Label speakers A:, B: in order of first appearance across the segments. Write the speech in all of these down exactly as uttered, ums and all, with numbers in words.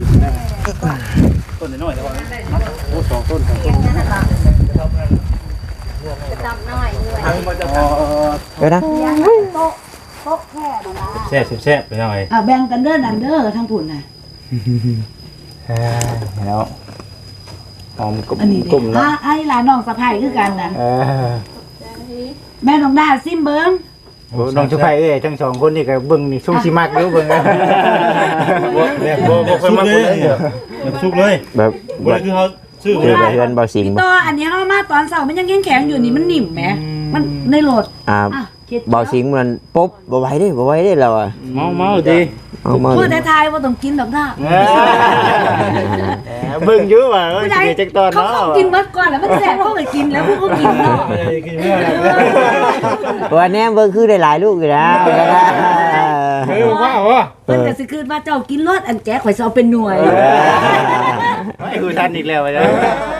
A: ต้นน้อยแต่ว่าโอ้สองต้นสองต้น
B: จะจับน้อยด้วย
C: เดี๋ยวนะ
B: โต๊ะโต๊ะแค่นั้นละ
A: แซ่บแซ่บไปหน่อย
B: อ่ะแบ่งกันเด้อนันเด้อทั้งผุนน่ะ
C: แล้วหอมกลุ่ม
B: อันนี้
C: กลุ่ม
B: เนาะไอ้หลานน้องสะใภ้คือกันนั่นแม่น้องดาซิมเบิ้ง
C: น้องชุบไผ่เอ้ยทั้งสองคนนี่ก็เบิ่งนี่ชุ่มชิมากเด้อเบิ่งนะ
A: บ่แบบบ่บ่ค่อยมาเลยแบบสุกเลยแบบบ่คือเขาซื้อเลยเฮือนบ่สิง
B: ต่ออันนี้เฮามาตอนเช้ามันยังแข็งๆอยู่นี่มันนิ่มแหมมันในรถ
C: อ่าบ่สิงมันปุ๊บบ่ไหวเด้บ่ไหวเด้เราอ่ะ
A: เมาเมาดิ
C: เอามา
B: พูดท้ายๆบ่ต้องกินดอกนะ
C: เบิ่งอยู่ว่าเอ้ยสิจักตอนเนาะ
B: เขากินเบิดก่อนแล้วมันแซ่บเขาก็กินแล้วพวกเขากินเนาะ
C: ว่าแนมเบิ่งคือได้หลายลูกอยู่แล้ว
A: เออว่าว่า
B: เพิ่นก็สิคืนว่าเจ้ากินรสอันแจ๊ข่อยสิเอาเป็นหน่วย
C: ไม่คือทันอีกแล้วจ้ะ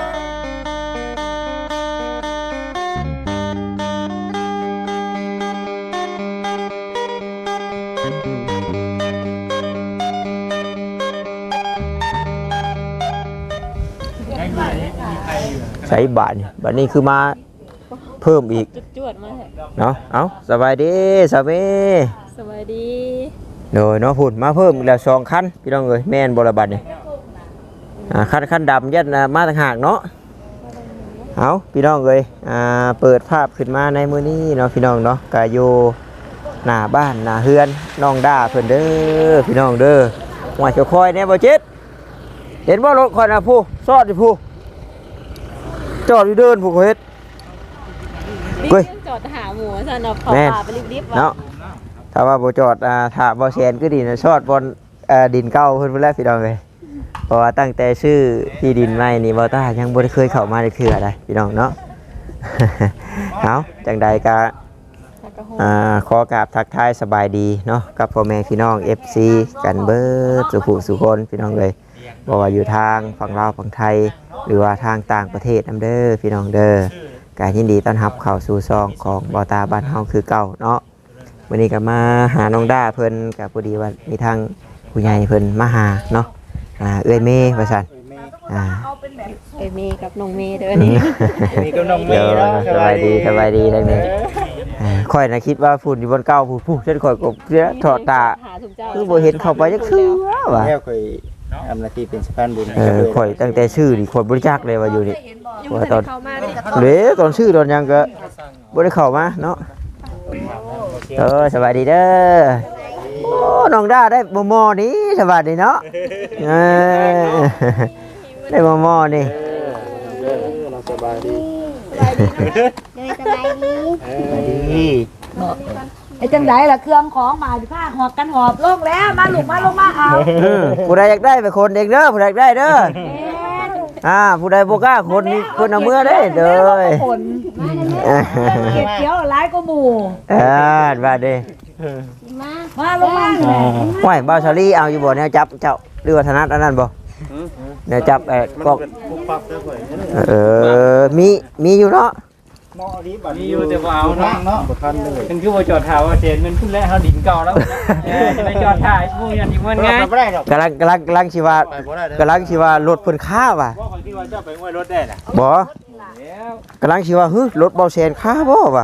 C: ใช้บาทนี่บาทนี้คือมาเพิ่มอีก
D: จวดมา
C: เนาะเอาสบายดีสบาย
D: สบายดี
C: โดยเนาะพุ่นมาเพิ่มแล้วสองคันพี่น้องเอ้ยแม่นบ่ละบัดนี่อ่าคันคันดำยัดมาต่างหากเนาะเอาพี่น้องเอ้ยอ่าเปิดภาพขึ้นมาในมื้อนี้เนาะพี่น้องเนาะก็อยู่หน้าบ้านหน้าเฮือนน้องด้าเพิ่นเด้อพี่น้องเด้อว่าจะคอยแน่บ่จิตเห็นบ่รถคอยน่ะผู้ซอดอยู่ผู้จอดอยู่เดินผู้เฮ็ด
D: เฮ้ยจอดหาหมูซะเนาะขอปลาไปรีบๆ
C: เนาะถ้าว่าบ่จอดอ่าถ้าบ่แซนก็ดีนะชอดบนเอ่อดินเก่าเพิ่นพุ่นแล้วพี่น้องเอ้ยเพราะว่าตั้งแต่ชื่อที่ดินใหม่นี่บ่ตายังบ่ได้เคยเข้ามาได้เทื่อใดพี่น้องเนาะ เอาจังใดก็อ่าขอกราบทักทายสบายดีเนาะกับพ่อแม่พี่น้อง เอฟ ซี กันเบิดสุขุสุคนพี่น้องเอ้ยบ่ว่าอยู่ทางฝั่งลาวฝั่งไทยหรือว่าทางต่างประเทศนำเด้อพี่น้องเด้อก็ยินดีต้อนรับเข้าสู่ซองของบ่ตาบ้านเฮาคือเก่าเนาะวันนี้ก็มาหาน้องด้าเพิ่นก็พอดีว่ามีทางผู้ใหญ่เพิ่นมาหาเนาะอ่าเอ้ยเมย์ว่าซั่นอ่า
D: เอ้ยเมย์กับน้องเมย์เด้อนี่
C: มีกับน้องเมย์เนาะสบายดีสบายดีทั้งนี้อ่าค่อยน่ะคิดว่าฝุ่นอยู่บนเก้าผู้ผู้ฉันค่อยกบเสียถอดตาคือบ่เห็นเข้าไปจักคือว่า
E: แล้วค่อยทำหน้าที่เป็นสะพานบุญ
C: เออข่อยตั้งแต่ชื่อนี่คนบริจาคเลยว่าอยู่นี่ว่าตอน
D: เข้ามานี่
C: เด้ตอนชื่อตอนยังก็บ่ได้เข้ามาเนาะเออสบายดีเด้อโอ้น้องด้าได้บ่มอนี่สบายดีเนาะเออได้บ่มอนี่
E: สบายดี
B: สบายดีสบายดีสบายดีไอ้จังไดล่ะเครื่องของมาสิพาหอบกันหอบลงแล้วมาลูกมาลงมาเอา
C: ผู้ใดอยากได้ไปคนเองเด้อผู้ใดอยากได้เด้ออ่าผู้ใดบ่กล้าคนนี่คนเอามือได้เด้อ
B: คนเก็บเกี่ยวหลายกว่าหมู่
C: เออว่าเด้
B: มามาลงมา
C: ห้วยบ่าวชาลีเอาอยู่บ่แนวจับเจ้าหรือว่าถนัดอันนั้นบ่แนวจับเอ่อกอกเออมีมีอยู่เนาะ
A: มีอยู่แต่ว่าเอาเนาะเนาะมันคือว่าจอดถ่ายว่าเจนมันขึ้นแล้วเฮาดินเก่าแล้วจะไปจอดถ่ายผู้ยันอีกมันไง
C: กำลังกำลังกำลังสิว่ากำลังสิว่ารถเพิ่นค้าว่ะ
A: บ่คนที่ว่าเจ้าไปห้วยรถได้น่ะ
C: บ่กำลังสิว่าฮึรถเบาแสนค้าบ่ว่ะ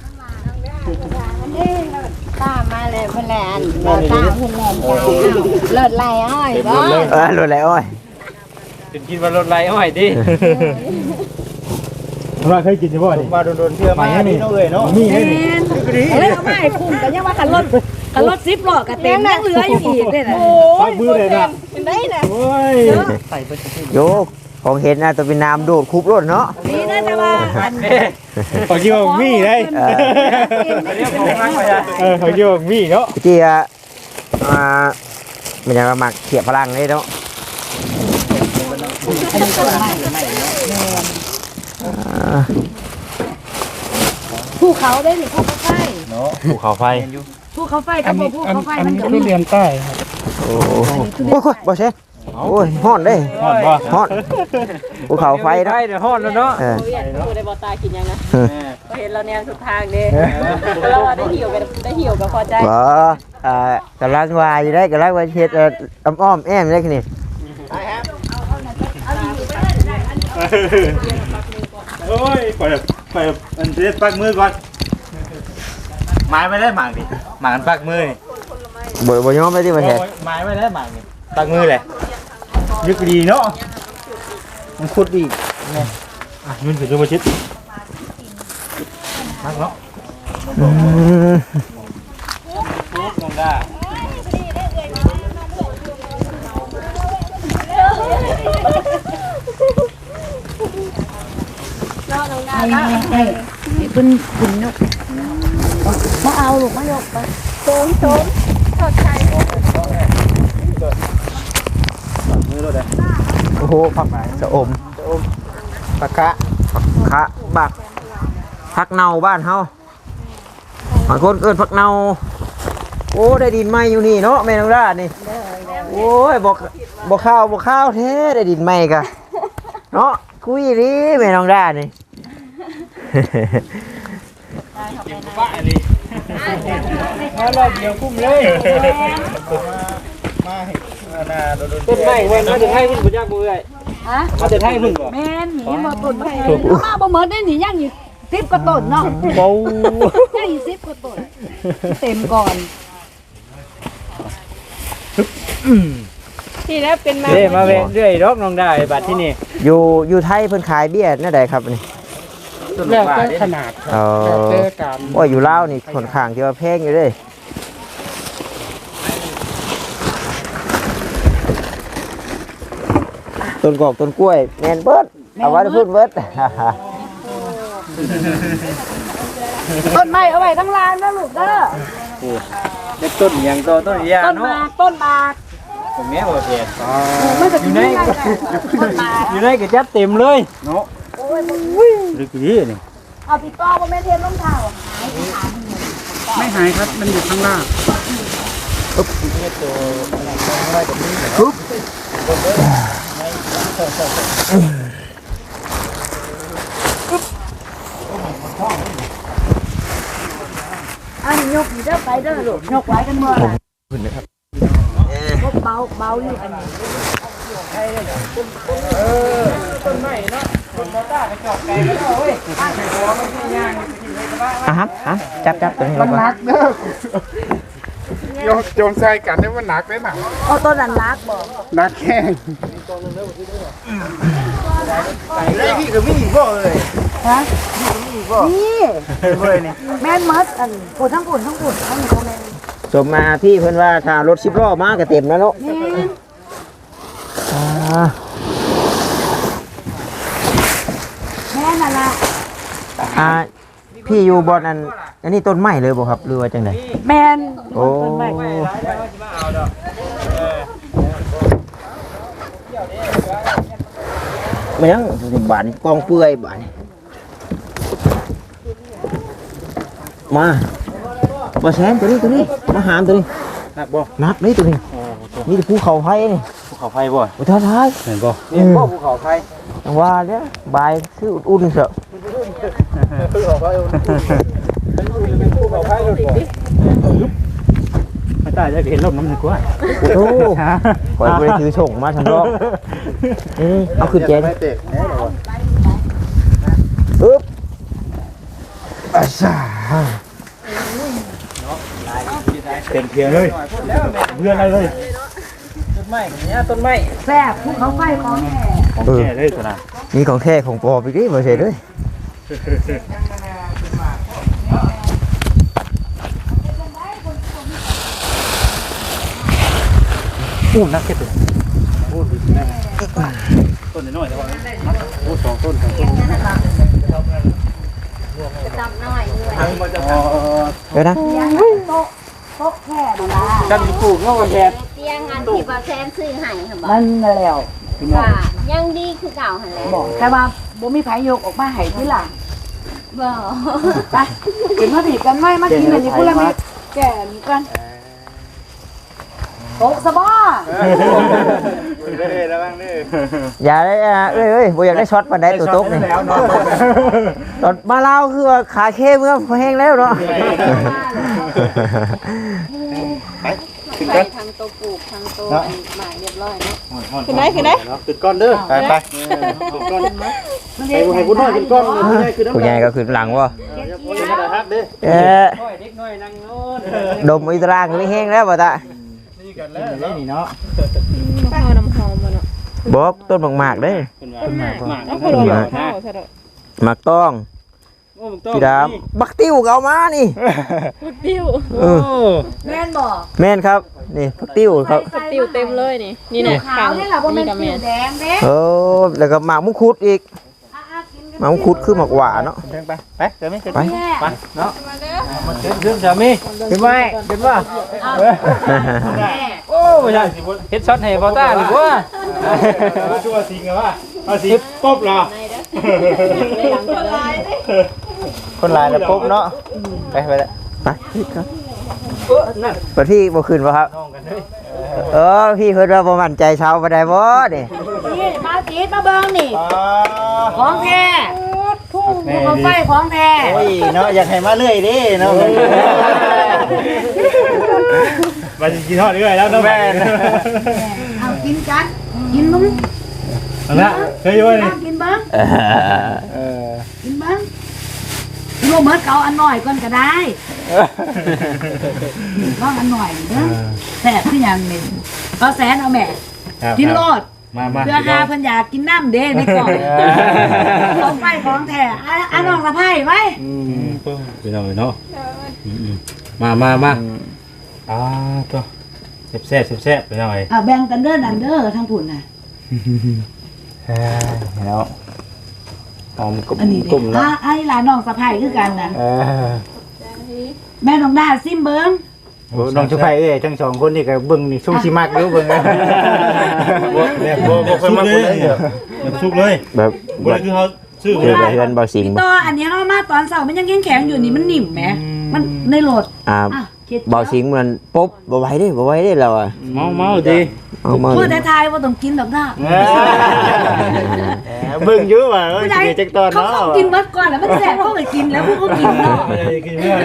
B: ตามาเลยเพิ่นแล่นบ่ตาเพิ่นแล่นจ้ารถไหลอ้อยบ่
C: เออรถไหลอ้อย
A: จนคิดว่ารถไหลอ้อยดิว่าเคยกินใช่ป่ะนี่
E: มาโดนๆเพื่อมานี่เนาะเอ้ยเนาะ
B: มีนี่เฮ้ยเอามาให้คุ้มกันยังว่ากันรถกันรถสิบล้อก็เต็มยังเหลืออยู่อีกเด้น่ะ
A: โอ้ยมือเลยนะ
B: เป็นได้น่ะ
A: โอ้ยใส่ไป
C: โยกของเห็นน่ะตัวเป็นน้ำโดดคุบรถเนาะ
B: นี่น่าจะว่าอันนี้
A: ขอคิดว่ามีได้เออเออขอคิดว่ามีเนาะ
C: ที่อ่ะอ่ามันจะมาหมักเขียบพลังเลยเนาะ
B: ภูเขาได้นี่ภูเขาไฟ
A: เนาะภูเขาไฟ
B: ภูเขาไฟกับภูเขาไฟมันก็
E: มีเรียนใต้ครับ
C: โอ้โหบ่เช่โอ้ยฮ้อนเด้
A: ฮ้อนบ่
C: ฮ้อนภูเขาไฟ
A: ได้เดี๋ยวฮ้อนแล้วเนาะ
D: เออผู้ได้บ่ตากินยังนะเห็นเราแนวสุดทางเด้เราได้หิวกันได้หิวก็พอใจ
C: บ่อ่ากำลังวายอยู่ได้กำลังว่าเฮ็ดอ้อมๆแอมได้คือนี่
E: โอ้ยปล่อยปล่อยมันเด็ดปักมือก่อนไม้ไม่ได้หมากดิหมากกันปักมือนี่
C: บ่บ่ยอมไปที่ประเทศ
E: ไม้ไม่ได้หมากนี่ปักมือเลยยึกดีเนาะมันขุดดีเนี่ยอ่ะมันถึงจะมาชิดมักเนาะ
C: อืม
A: น้องด้า
B: ให้ให้ให้เพิ่นขึ้นเนาะมาเอาลูกมายกไป
D: โซนโซนทอดไข่
E: มือเราได้
C: โอ้โหผักสะอม
E: ปากกะ
C: คะบักผักเน่าบ้านเฮาบางคนเอิ้นผักเน่าโอ้ได้ดินใหม่อยู่นี่เนาะแม่น้องราดนี่โอ้ยบ่บ่ข้าวบ่ข้าวแท้ได้ดินใหม่กะเนาะคุยดิแม่น้องราดนี่
A: บ้าเลยมาเราเดียวคุ้มเลย
E: มาให้นาโดน
A: ต้นไม้เว้ยมาถึงให้คุณบุญยากบุญเลย
B: ฮะ
A: มาถึงให้คุณบ่
B: แม่นหนีมาต้นมามาบ่เหมือนได้หนีย่างอยู่สิบกว่าต้นเนาะ
E: เบา
B: ย่างอยู่สิบกว่าต้นเต็มก่อน
D: ที่แล้วเป็นมา
A: เด้มาเว้เรื่อยรอกน้องได้บัดที่นี่
C: อยู่อยู่ไทยเพิ่นขายเบี้ยนั่นใดครับนี่
A: แล้วแต่ขนาด
C: เออว่าอยู่ลาวนี่ค่อนข้างที่ว่าแพงอยู่เด้ต้นกอกต้นกล้วยแม่นเบิดเอาไว้พูดเบิด
B: ต้นไม้เอาไว้ทั้งลานนะลูกเด้อ
A: เด็กต้นอย่างโตต้นยา
B: ต้น
A: เนาะ
B: หมากต้นหมาก
A: ผมแม่บ่เสีย
B: มันจะอยู่ในต้นหมาก
A: อยู่ในกระจัดเต็มเลยเนาะ
B: โอ้ย
A: ลึกดีนี่
B: เอาพี่ต้อบ่แม่เทนรองเท้า
A: ไม่หายครับมันอยู่ข้างล่าง
B: อันนี้ยกอยู่เด้อไปเด้อลูกยกไว้กันเมื่อไหร่เบาเบาอยู่อันนี้
A: ต้นไม้เนาะต้นมอต้าไปจอกไก่ก็ได้เว้ยหัวมันสิย่างสิไปกระบะ
C: อ่ะฮะอ่ะจับจับตัวนี้ลงมา
E: โยนโยนใส่กันได้มันหนักได้หนัก
B: เอาต้นนั้นรักบอก
E: หนักแข้งได้พี่กับมี่บ่เลย
B: ฮะนี่
E: เลยนี่
B: แม่นมัดอันปุ่นทั้งปุ่นทั้งปุ่นทั้งนี้เขาแม่น
C: สมมาพี่เพิ่นว่าถ้ารถสิบล้อมาก็เต็มแล้วเนาะ
B: แม่น
C: อ่า
B: แม่นน่ะล่ะ
C: อ่าพี่อยู่บอนอันอันนี้ต้นไม้เลยบ่ครับหรือว่าจังได
B: แม่น
C: โอ้
B: ต้นไม้
C: มันยังบานกองเปื่อยบานมาบ่แซนตัวนี้ตัวนี้มาหามตัวนี้
E: หนักบ่
C: นักนี่ตัวนี้นี่ภูเขาไฟนี่
E: ภูเขาไฟบ่
C: โอ้ท้าทาย
E: เห็นบ่
A: นี่บ่ภูเขาไฟ
C: จังว่าเนี่ยบายคืออุ่นๆเสอะ
E: ภูเขาไฟ
A: เป็นภูเขาไฟรถบ่ไม่ตายจะเห็นลมน้ำหนึ่งกว่า
C: โอ้ขอยไปถือส่งมาทำรอบอืมเอาขึ้นแจน
E: ไม่เตะแน่นอน
C: อึ๊บอาซา
E: เต็มเพียงเลยเบื่ออะไรเลย
A: ต้นไม้เนี่ยต้นไม้
B: แซ่บภูเขาไฟของแม่
E: ของแก่เลยขนาด
C: นี่ของแท้ของปลอมอีกดิบ่เสร็จเลย
E: อู้นักเก็ตเลยอู้ดีนะต้นน้อยแต่ว่าอู้สองต้นสองต้น
D: จำหน่อยด้วย
C: เดี๋ยวนะ
B: โต๊ะโต๊ะแค่นั่นล่ะ
A: กันปลูกเนาะแทน
D: เตียงอันที่ว่าแซนซื้อให้ค่ะบอก
B: มันน่ะแล้ว
D: ว่ายังดีคือเก่าหันแหล้ว
B: บอกแต่ว่าบ่มีไผยกออกมาให้ทีหลัง
D: บ่
B: ไปกินมาผีกันไหมมากินอันนี้พูดแล้วมีแก่มีกันโต๊ะสบา
E: เด้อระวังเด้อ
C: อย่าได้อ่ะเอ้ยเอ้ยบ่อยากได้ช็อตปานใดตัวตกนี่
E: แล้วนอน
C: ตอนมาลาวคือว่าขาเข้มก็แห้งแล้วเนาะ
E: ไปขึ้น
D: ใส่
E: กัน
D: ทั้งโต๊ะปลูกทั้งโต๊ะหมายเรียบร้อยร้อยเนาะขึ้นได้ขึ้นได้
E: ขึ้นก้อนเด้อไปไปขึ้นก้อนให้ให้คุณน้อยขึ้นก้อนผู้ใหญ่ขึ้นน้ำ
C: ผู้ใหญ่ก็ขึ้นหลังวะ
E: ขึ้นมาได้ฮักเด้อ
C: เอ๊ะ
A: เด็กน้อยนั่งโน้น
C: ดมอีตรางไม่แห้งแล้วบ่ตา
E: นี่กันแล้วนี่เนาะ
D: ข้าวน้ำหอมมาเนาะ
C: บอกต้นหมากๆเด้
A: เป็นว่าหมาก
D: เอาพอลงข้าวซะเด้อ
C: หมากต้อง
A: โอ้มึงต้อง
C: พี่ดามบักติ้วก็เอามานี่
D: ติ้ว
C: เออ
B: แม่นบอก
C: แม่นครับนี่บักติ้วครับ
D: ติ้วเต็มเลยนี่นี่
B: นี่
D: น่ะ
B: ขาวนี่แหละว่ามัน
D: กับ
B: สี
D: แม่
B: แดงเด้
C: โอ้แล้วก็หมากมุกคุดอีก
B: อ่ะๆกินกัน
C: หมากมุกคุดคือหมากหวานเนาะ
E: ไปไปเดี๋ยวไม่ขึ้น
C: ไป
B: แม่
A: ไปเนาะขึ้นขึ้นสามีขึ้นไหมขึ้นว่า
B: แม่
A: โอ้ไม่ใช่เฮ็ดช็อตให้บอต้าหรือว่า
E: ชั่วสิงกันว่าเอาสิป๊บเหรอคนลายแล้วปุ๊บเนาะไปไปแล้ว
C: ไปครับไปพี่บ่ขึ้นบ่ครับเออพี่เพิ่นว่าบ่มั่นใจเช้าบ่ได้บ่นี่
B: นี่มาจีดมาเบิ่งนี่ของแท้ทุ่งภูเขาไฟของแท้
E: โอ้ยเนาะอยากให้มาเรื่อยดิเนาะมากินทอดเรื่อยแล้วเนาะแม่
B: เอากินกันกินมึง
E: นะเคยอยู่นี่
B: กินเบิ่ง
C: เออ
E: เออ
B: กินเบิ่งโรเบิร์ตเอาอันหน่อยก่อนก็ได้ลองอันหน่อยเด้อแซ่บคือหยังนี่ก็แสนเอาแม่กินโลด
E: มามา
B: เพื่อหาเพิ่นอยากกินน้ำเด้ในกล่องของไฟของแท้อ่ะอันน้องสะไพ่ไว้
E: ไปหน่อยเนาะมามามาอ่าตัวแซ่บแซ่บแซ่บไปหน่อย
B: อ่ะแบ่งกันเด้อนั่นเด้อทางพุ่นน่ะ
E: แล้วหอมกลุ่ม
B: อันนี้
E: กลุ่ม
B: เด้
E: เนาะ
B: อ่ะไอ้หลานน้องสะไพ่คือกันน่ะ
E: เออ
B: แม่น้องดาซิมเบิ่ง
E: โอ้น้องชุบไผ่เอ้ยทั้งสองคนนี่ก็เบิ่งนี่ชุ่มชิมักอยู่เบิ่งแบบบ่บ่ค่อยมักเลยแบบสุกเลย
C: แบบ
E: บ่ได้คือเฮาซื้อ
C: เดี๋ยวไปเฮือนเบาสิง
B: พี่
C: บ่
B: ต่ออันนี้เฮามาตอนเช้ามันยังแข็งๆอยู่นี่มันนิ่มแหมมันในโหลด
C: อ่า
B: อ่ะคิด
C: เบาสิงมันปุ๊บบ่ไหวเด้บ่ไหวเด้เราอ่ะ
A: เมาเมาดี
C: เอามา
B: พูดทายๆว่าต้องกินดอกด้า
E: เบิ่งอยู่ว่าเอ้ยสิจักตอน
B: เขา
E: เนาะ
B: เขากินเบิดก่อนแล้วมันแซ่บเขาก็กินแล้วพวกเขากินเนาะ
E: กินเมื่อไหร่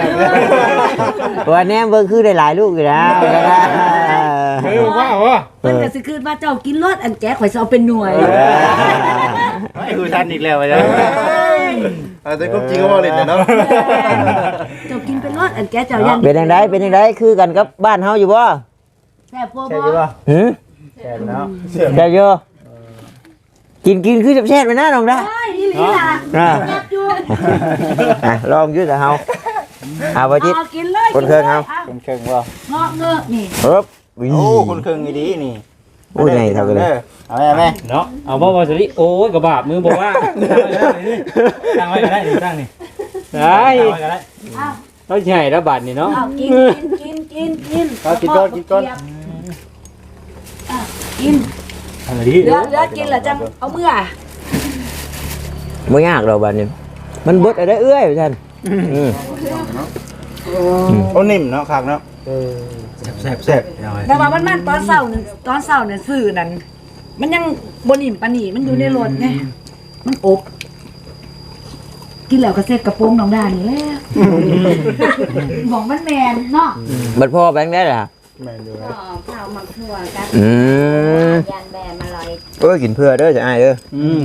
C: วันนี้เบิ่งคือได้หลายลูกอยู่แล้ว
E: เฮ้ยว่าว่า
B: เพิ่นก็สิคืนว่าเจ้ากินรสอันแกข่อยสิเอาเป็นหน่วย
E: ไอ้กูทันอีกแล้วจ้ะอาแต่ก็จริงก็ว่าเล่นเนาะ
B: เจ้ากินเป็นรสอันแกเจ้ายัง
C: เป็นจังไดเป็นจังไดคือกันกับบ้านเฮาอยู่บ่
B: แซ่บบ่
E: ใช่
B: บ่
E: ป่ะ
C: หึ
E: ใช่แล้ว
C: ได้อยู่กินกินคือแซ่บๆไปนะน้องดา
B: ใช่อีหลีล่ะ
C: อ่า
B: แซ่บอยู่
C: อ่ะลองอยู่แต่เฮาเอาบ่จิต
B: เอากินเลย
C: คนเครื่องเอา
E: คนเครื่องว่า
B: เงาะเงอะนี่
C: ปึ๊บ
E: โอ้คนเครื่องดีนี่
C: โอ้ยไงเท่ากันเลย
E: เอาแม่แม่
A: เนาะเอาบ่บ่สิโอ้ยกระบาดมือบอกว่าตั้งไว้ก็ได้ตั้งนี่ได้ก็ได้
B: อ้าว
A: เราใหญ่แล้วบาดนี่เนาะ
B: เอากินกินกินกิน
E: เอากินก้อนกินก้อน
B: อ่ะกิน
E: อะไรดี
B: เหลือเหลือกินแล้วจังเอาเมื่อ
C: บ่ยากดอกบัดนี้มันเบิดอะไรเอื้อยท่านอืม
E: โอ้นิ่มเนาะคักเนาะแซ่บแซ่บ
B: แต่ว่ามันมันตอนเช้านั่นตอนเช้านั่นซื้อนั่นมันยังบ่นิ่มปานนี้มันอยู่ในรถไงมันอบ กินแล้วก็เสร็จกระโปรงน้องดานี่แหละบอกมันแมนเนาะ
C: บัดพ่อแบงค์ได้ล่ะ
E: แม่ดู
F: ก็ข้าวมักทั่วกัน
C: อืม
F: ยันแบนมาลอย
C: เอ้ยกินเพื่อเด้อจะอายเด้อ
E: อืม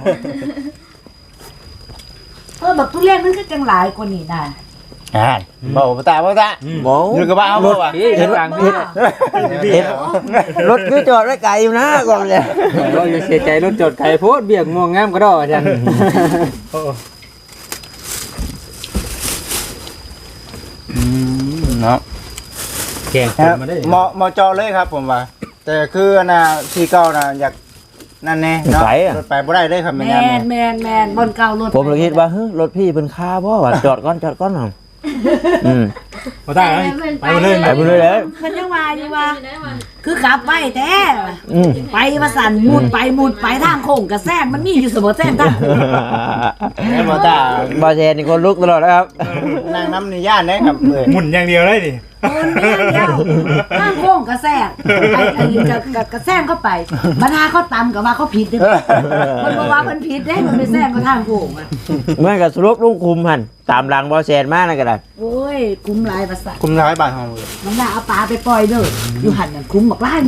B: เออแบบทุเรียนมันคือจังหลายกว่านี้น่ะ
E: อ่าบ่บ่ตาบ่ตา
C: บ่
E: อยู่กับบ้านเอาบ่วะ
A: เห็นต่าง
B: เห็น
C: เห็นรถคือจอดไว้ไกลอยู่นะก่อนเลย
A: เราอย่าเสียใจรถจดไข่โพดเบียกม่วงงามก็ได้อาจารย์
E: เนาะ
A: แข่ง
E: ครับเหมาะเหมาะจอเลยครับผมว่า แต่คืออันน่ะที่เก่าน่ะอยากนั่นแน่เนาะรถไปบ่ได้เลยครับ
B: แม
E: แม่น
B: นแมนแมนบนเก่ารถ
C: ผมเลยคิดว่าเฮ้ยรถพี่เป็นค่าบ่วะจอดก่อนจอดก่อนหน่อยอืม
E: บ่ได้ไปเลย
C: ไปไปเลยเลย
B: เพิ่นยังว่าอยู่ว่า คือขับไปแท้
C: อืม
B: ไปว่าสั่นมุดไปมุดไปทางโค้งกระแซงมันมีอยู่เสมอแซงทางโค้ง
E: บ่ตา
C: บอเชนนี่คนลุกตลอดนะครับ
E: นั่งน้ำนี่ย่านได้ครับเอ้ย
G: หมุนอย่างเดียวเลยดิ
B: โอนเดียวเดียวทางโค้งกระแซงไอ้ไอ้กระกระกระแซงเข้าไปบรรดาเขาตำกับว่าเขาผิดเด้อมันบอกว่ามันผิดเด้มันไปแซงเขาทางโค้งอ่ะ
C: เมื่อกับสรุปลุงคุมหันตามหลังบอเชนมากนะกระดาษ
B: โอ้ยคุ้มหลายภาษา
E: คุมร้ายบาทเฮาเลย
B: น้องดาเอาปลาไปปล่อยเด้ออยู่หันน่ะคุ้มบักหลายนี่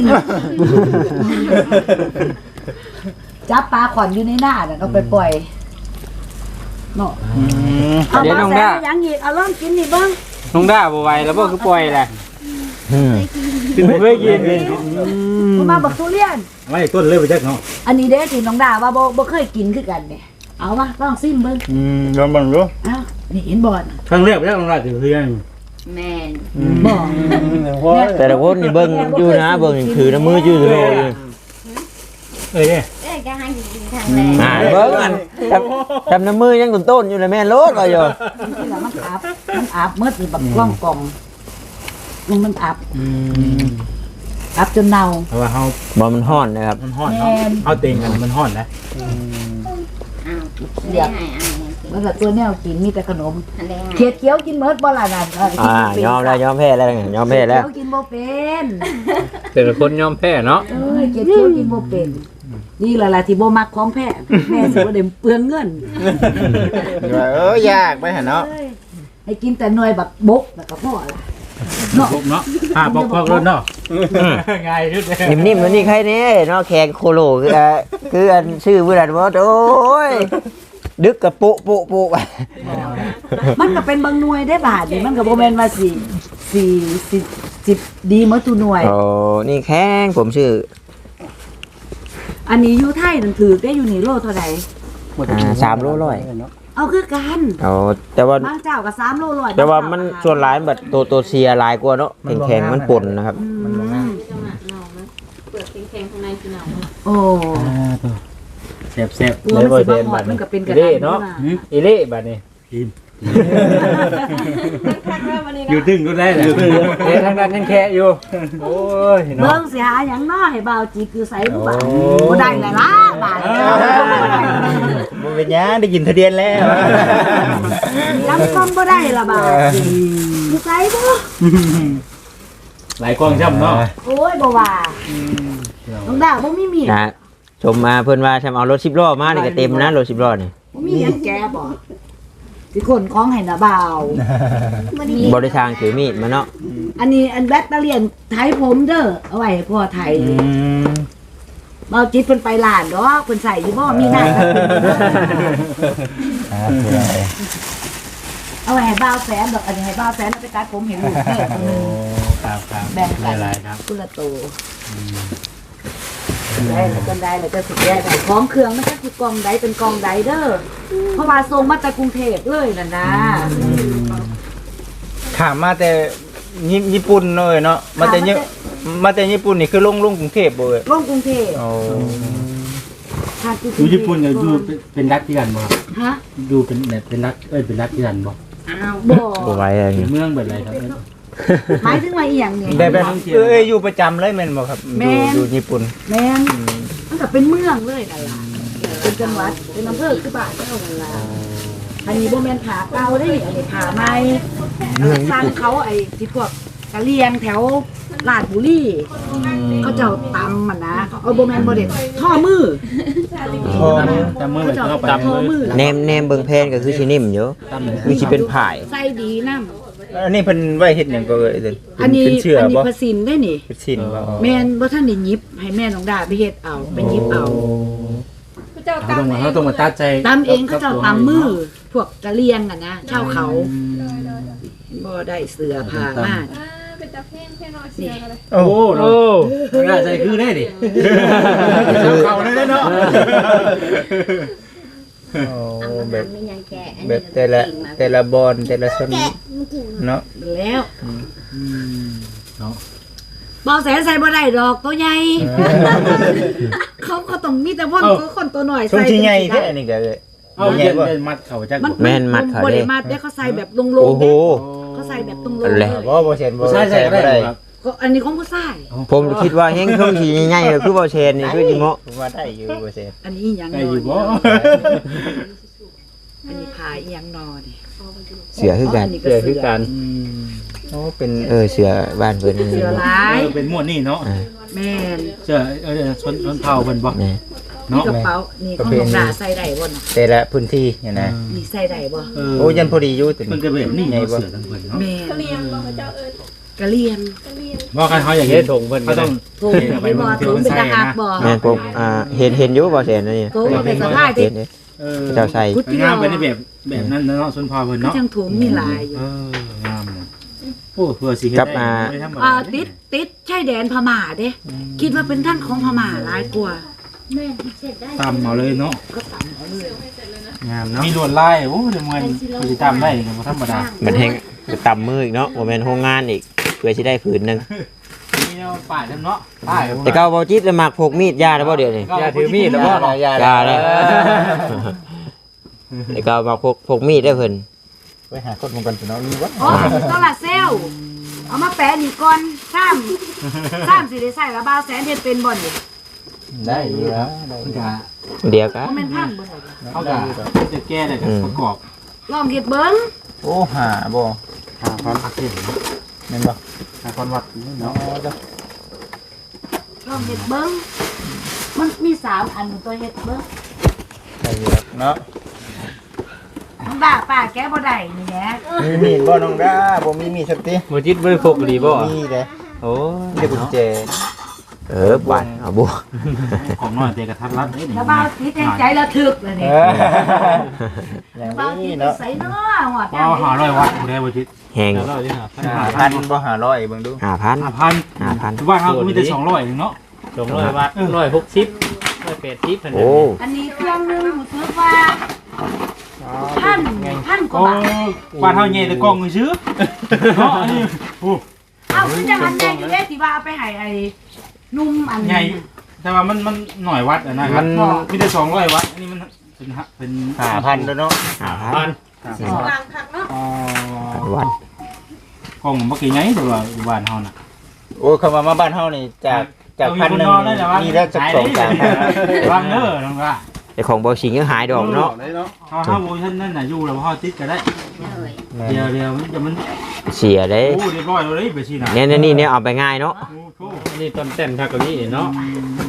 B: จับปลาขวัญอยู่ในหน้าน่ะเอาไปปล่อยเนาะ
E: อืม
B: เอาปลาแสนยังอีกเอาลองกินนี่เบิ่ง
A: น้องด้าบ่ไหวแล้วบ่คือปล่อยแหละ
C: อืม
A: คือบ่เคยกิน
B: บ่มาบักทุเรียน
E: ไม่ต้นเลยไปจักเนาะ
B: อันนี้เด้ที่น้องดาว่าบ่บ่เคยกินคือกันเนี่ยเอามาลองซิมเบิ่ง
E: อืมลองบังดู
B: อ้าวนี่เห็นบ่น่ะ
E: ครั้งแรกไปจักน้องราชถือเพื่อน
F: แม่น
B: บ่
C: แต่ละคนนี่เบิ่งอยู่นะเบิ่งนี่ถือน้ำมืออยู่โลอยู่
E: เอ้ยเนี่ย
F: เอ้ยก็ให้กินทางแรก
C: อ่าเบิ่งอันจำจำน้ำมือยังต้นๆอยู่เลยแม่นโลดก็อยู่
B: ที่ละมันอับมันอับเมื่อนี่บักกล้องกล่องมันมันอับ
E: อืม
B: อับจนเน่า
E: เพราะว่าเฮา
C: บ่มันฮ้อนนะครับ
E: มันฮ้อนเนาะเฮาเต็งกันมันฮ้อนนะ
F: อ้าวเดี๋ยวให้อ้ายให้กิน
B: มันก็ตัวแนวกินมีแต่ขนม
F: อันใดให้
B: เขียดเคี้ยวกินเมิดบ่ล่ะนั่นเกิน
C: อ่ายอมแล้วยอมแพ้แล้วไงยอมแพ้แล้ว
B: เขียดเคี้ยวกินบ่เป็น
A: แต่ละคนยอมแพ้เนาะ
B: เอ้ยเขียดเคี้ยวกินบ่เป็นนี่แหละล่ะที่บ่มักของแพ้แม่สิบ่ได้เปลืองเงิน
E: เออยากไปหั่นเนาะ
B: เอ้ยให้กินแต่หน่วยบักบกแล้วก็พอล่ะเนาะ
E: พวกเนาะอ่าปอกๆรถเนาะง่ายสุดเลย
C: นิ่มๆมันนี่ใครเนี่ยเนาะแขกโคโลคืออ่ะคืออันชื่อเวลาว่าโอ้ยดึกกับโปะโปะโปะไป
B: มันก็เป็นบางหน่วยได้บาทนี่มันก็บ่แม่นว่าสิสิสิสิดีหมดทุกหน่วย
C: โอ้นี่แข้งผมชื่อ
B: อันนี้อยู่ไทยนั่นถือได้อยู่นี่โลเท่าใด
C: อ่าสามโลร้อย
B: เอาคือกัน
C: โอ้แต่ว่า
B: บางเจ้าก็สามโลร้อย
C: แต่ว่ามันส่วนหลายแบบตัวตัวเสียหลายกว่าเนาะแข็งๆมันป่นนะครับ
B: มันบ่งาม
D: เปลือกแข็งๆข้างในคือหนาว
B: โอ้
E: แซ่บ
B: ตัวมันสิบ่หอดมันก็เป็นกระดาษ
A: เนาะอีเล่บัดนี้
E: อยู่ตึงก็ได้แหละ
A: เล่ทางนั้นยังแค่อยู่โอ้ยเนาะ
B: เบิ่งสิหาหยังน้อให้บ่าวจีคือไสบ่บาดบ่ได้แล้วล่ะบาด
E: บ่เป็นหยังได้ยินทะเบียนแล้ว
B: จำต้องบ่ได้ละบาดคือไสบ่
E: หลายกล้องช้ำเนาะ
B: โอ้ยบ่ว่าน้องดาวบ่มีมีด
C: นะชมมาเพิ่นว่าฉันเอารถสิบล้อมานี่ก็เต็มนะรถสิบล้อนี่
B: บ่มีหยังแกบ่สิคนของให้น่ะบ่าว
C: บริทางถือมีดมาเนาะ
B: อันนี้อันแบตเตอรี่ไทยผมเด้อเอาไว้ให้พ่อไทย
E: อืม
B: เบาจิตเพิ่นไปร้านดอกเพิ่นใส่อยู่บ่มีหน้าเอาไว้ให้บ่าวแสนดอกอันนี้ให้บ่าวแสนเอาไปตัดผมให้ลูกเด้อ
E: โอ้ครับครับ
B: แบ่งกัน
E: หลายๆครับ
B: กุละโตได้แล้วกันได้แล้วก็สุดแย่ได้ของเครื่องมันก็คือกองใดเป็นกองใดเด้อเพราะว่าส่งมาจากกรุงเทพเลยน่ะนะ
E: ถามมาแต่ญี่ญี่ปุ่นเลยเนาะมาแต่ญี่มาแต่ญี่ปุ่นนี่คือลงลงกรุงเทพบ่เว้ย
B: ลงกรุงเทพ
E: โอ้
B: ทางกรุงเท
G: อยู่
B: พ
G: ญี่ปุ่นเนี่ยอยู่เป็นเป็นรัฐที่กันบ่ครับ
B: ฮะ
G: อยู่เป็นแบบเป็นรัฐเอ้ยเป็นรัฐที่กันบ่
B: อ้าวบ่
C: บ่ไหว้อะไร
G: เป็น
C: เงี้ย
G: เมืองแบบอะไรครับ
B: หมายถึงว่าอีหยังเนี่ย
E: แบบแบบเอ้ยอยู่ประจำเลยแม่นบ่ครับ
B: แม่
E: อยู่
B: น
E: อยู่ญี่ปุ่น
B: แม่นมันก็เป็นเมืองเลยนั่นล่ะเป็นจังหวัดเป็นอำเภอคือบ้านเจ้านั่นล่ะอันนี้บ่แม่นผาเก่าเด้อันนี้ผาใหม่สร้างเขาไอ้ที่พวกกะเลียงแถวลาดบุรีเขาเจ้าตำมันนะเขาเอาบ่แม่นบ่เด็ดท่อมือ
E: พอ
G: จำเมือง
B: เขา
G: แบบ
B: เจ้า
G: เข้าไป
B: ตำท่อมือ
C: แนมแนมเบิ่งแพนก็คือสินิ่มอยู่คือสิเป็นผาย
B: ใส่ดีนำ
E: อันนี้เพิ่นไว้เฮ็ดหยังก็เอ้ยเด้
B: อันนี้
E: เป็นเชื่อ
B: อันนี้
E: บ่
B: ภาษินได้นี่
E: เป็นชิ้นบ่
B: แม่นบ่ทันได้หยิบให้แม่น้องดาไปเฮ็ดเอาไปหยิบเอา
D: ผู้เจ้า
G: เขา
D: ตา
G: ต้อง
D: ม
G: มาเขาต้องมาตัดใจ
B: ตำเองเขาเจ้าตำมือพวกกะเลียงอ่ะนะชาวเขาบ่ได้เสื้อผ้ามาก
D: เป็นตาเพ่งเพ่งน้อยเสียกันเลย
E: โอ้
G: โอ้โหน่าใจคือได้ดิ
E: เข้าได้เนาะโอ้แบบ
F: มีหยังแกะอัน
E: แบ
F: นี้
E: บแต่ละแต่ละบอลแต่ละชนิดเนาะ
B: แล้วบ่แสนใส่บ่ได้ดอกตัวใหญ่ เขาก็ต้องมีแต่พ่นตัวคนตัวหน่อย
E: ทรง
B: ใส่
E: ที่ใหญ่แค่อันนี้ก็เลย
G: เอาเย็นเป็นมัดเขาจัก
B: มัน
C: แม่นมัดเขา
B: บ่
C: เด้
B: ได้มัดเด้เขาใส่แบบลงๆ
C: โอ้โห
B: เด้เขาใส่แบบตรงๆ
C: อัน
B: เล
C: แห
B: ย
C: ละ
E: บ่บ่เช่นบ่
G: ใช่ใช่ก็ได้ครับ
B: ก็อันนี้ของผู้ชาย
C: ผมคิดว่าแห้งช่วงสีใหญ่ๆก็คือบ่เชนนี่คือสิเหมาะ
E: ผมว่าได้อยู่บ่เช่น
B: อันนี้อีหยัง
G: ได้
B: นอ
G: อยู่
B: น
G: บ่
B: อันนี้พาอีหยังนอนนี่
C: เสือคือกัน
B: นนี้
A: เสือคือกัน
E: โอ้เป็น
C: เออเสือบ้านเพิ่นนี่
B: เสือหลาย
G: เป็นหมวดนี่เนาะ
B: แม่น
G: เสื้อเออชนชนเผ่าเพิ่นบ่
C: นี่
B: นี่กระเป๋านี่ของน้องดาใส่ได้บ่น่ะ
E: แต่ละพื้นที่เนี่ยนะ
B: นี่ใส่ได้บ่
G: เออ
E: โอ้ยันพอดีอยู่ตัว
G: มัน
E: นี้
G: ก็แบบนี้ไงบ่เสือทั้งเพิ่นเนาะ
B: แม่
D: กะเลียงบ่เขาเจ้าเอิ้น
B: กะเลียง
D: กะเลียง
G: ว่ากันเขาอย่าง
A: เฮ็
G: นี้
A: ดถงเพิ่น
G: เขา
A: ก็
G: ต้
A: ต้
G: อ
A: อง ง
B: โทรนี่บ่โทรเป็นตาหักบ่
C: แม่นผมอ่าเห็นเห็นอยู่บ่แสนอันนี่
B: โทรเป็นสะพาย
C: เห็
B: ที่
C: นเด้
G: เออ
C: เจ้าใส่
B: พุทธิ
G: งาม
B: โล
G: ไปในแบบแบบนั้นเนาะส่วนพอเพิ่น
B: ก็
G: เนาะ
B: จังโถมมีหลายอยู่
G: เอองามเลยโอ้เพื่อสิเฮ็ดได้ไม่ธรรมดา
B: อ่าติดติดชายแดนพม่าเด้คิดว่าเป็นท่านของพม่าหลายกว่า
F: แม่ที่เสร็จได้
G: ตามเอาเลยเนาะ
B: ก็ตามเอาเลย
G: งามเนาะมีลวดลายโอ้เดี๋ยวมันมันสิตามได้ก็บ่ธรรมดา
C: มันแฮงต่ำมืออีกเนาะบ่แม่นโรงงานอีกเพื่อสิได้ผืนหนึง
G: นี่เนาะป้ายนำเนาะป้าย
C: แต่เก่าบ่จิตแล้วมักพกมีดยาได้บ่เดี๋ยวนี้
A: อย่าถือมีดแล้วบ่
E: ยา
C: อย่าเลย แต่เก่ามักพกพกมีดได้เพิ่น
E: ไปหาคนมงกันสิเนาะมีวะ
B: โอ้โซลาร์เซลล์เอามาแปะนี่ก่อนซ้ำซ้ำสิได้ใส่ละบ่าวแสนเฮ็ดเป็นบ่นี่
E: ได้อยู่แล้วได้
G: มันก็
C: เดี๋ยวกั
B: บ่
C: น
B: แม่นพันบ่ได้
G: เขาก็จะแก้ได้ก็ประกอบ
B: ลองเฮ็ดเบิ่ง
E: โอ้หาบ่
G: หาความอักเสบ
E: แม่นบ่
G: หาความวัด
E: เนาะ
G: เนาะ
E: จ้ะ
B: ลองเฮ็ดเบิ่งมันมีสามอันตัวเฮ็ดเบิ่ง
E: ได้อยู่แล้วเนาะ
B: น้องดาป้าแกบ่ได้นี่แหละ
E: มีมีดบ่น้องดาบ่มีมีดสักที
A: บ่จิตบ่ได้พกดีบ่
E: มีเด้
A: โอ้
E: มีแต่กุญแจ
C: เออบาดเอาบ่
G: ของน้อยแต่กระทัดรัดเด้นี่
B: ถ้าบ่าวติดแห่งใจระทึกเลย
E: เอ
B: นี่
E: ออย่าง
B: บ่าวติ
E: นี้
B: ด
E: เนาะ
B: ใส่เนาะหอด
G: บ่หาร้อยวัดบ่ได้บ่จิต
C: แฮง
A: แล้วเราจะหาพัน
E: หาพันบ่หาร้อยเบิ่งดู
C: ห้าพัน
G: ห้าพัน
C: ห้าพัน
G: บ้านเฮาก็มีแต่สองร้อยเนาะ
A: สองร้อยวัตต์ร้อยหกสิบร้อยแปดสิบพัน
C: โอ้
B: อันนี้เครื่องหนึงรู้สึกว่าพันพันกว่า
G: โอ้
B: บาท
G: บ้านเฮาใหญ่แต่กล้องซื่อเนาะอันนี้โอ้
B: เอาคือจังอันใหญ่อยู่เด้ที่ว่าเอาไปให้ไอ้หนุ่มอัน
G: ใหญ่แต่ว่ามันมันหน่อยวัดอะนะครับมีแต่สองร้อยวัดอันนี้มันเป็นฮะเป็น
E: หาพันแล้วเนาะ
C: ห้าพั
A: พั
C: น
A: น
D: วางคักเนาะ
G: อ๋อ
C: วัด
G: กล้องบ่กี่ใหญ่แต่ว่าอยู่บ้านเฮาน่ะ
E: โอ้เข้ามามาบ้านเฮานี่จากจากพันหนึงนี่ได้สักสองสามพัน
G: วางเด้อน้องว่า
C: แต่ของบ่สิงยังหายดอกเนาะ
G: เฮาเฮาบ่ทันนั่นน่ะอยู่แล้วเฮาติดก็ได้
F: เลย
G: เดี๋ยวเดี๋ยวมันจะมัน
C: เสียเด้
G: โอ้เรียบร้อยแล้วเด้ไปสิน่ะ
C: เนี่ยเนี่ยนี่เนี่ยเอาไปง่ายเนาะ
G: โอ้โห
A: อันนี้ต้นเต้นทักกะนี้เนาะ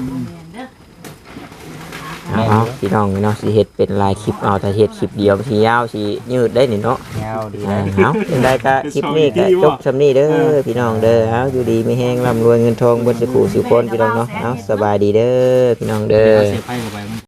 C: เอาเอาพี่น้องเนาะสิเฮ็ดเป็นลายคลิปเอาแต่เฮ็ดคลิปเดียวสิยาวสิยืดได้นี่เนาะ
E: ยาวดี
C: อ่า
E: นะ
C: เอาเป็นได้ก็คลิปนี้ก็จบสำนี้เด้อพี่น้องเด้อเอาอยู่ดีมีแฮงร่ำรวยเงินทองบนสุขุสุขคนพี่น้องเนาะเอาสบายดีเด้อพี่น้องเด้อ
G: เสียไปเข้าไป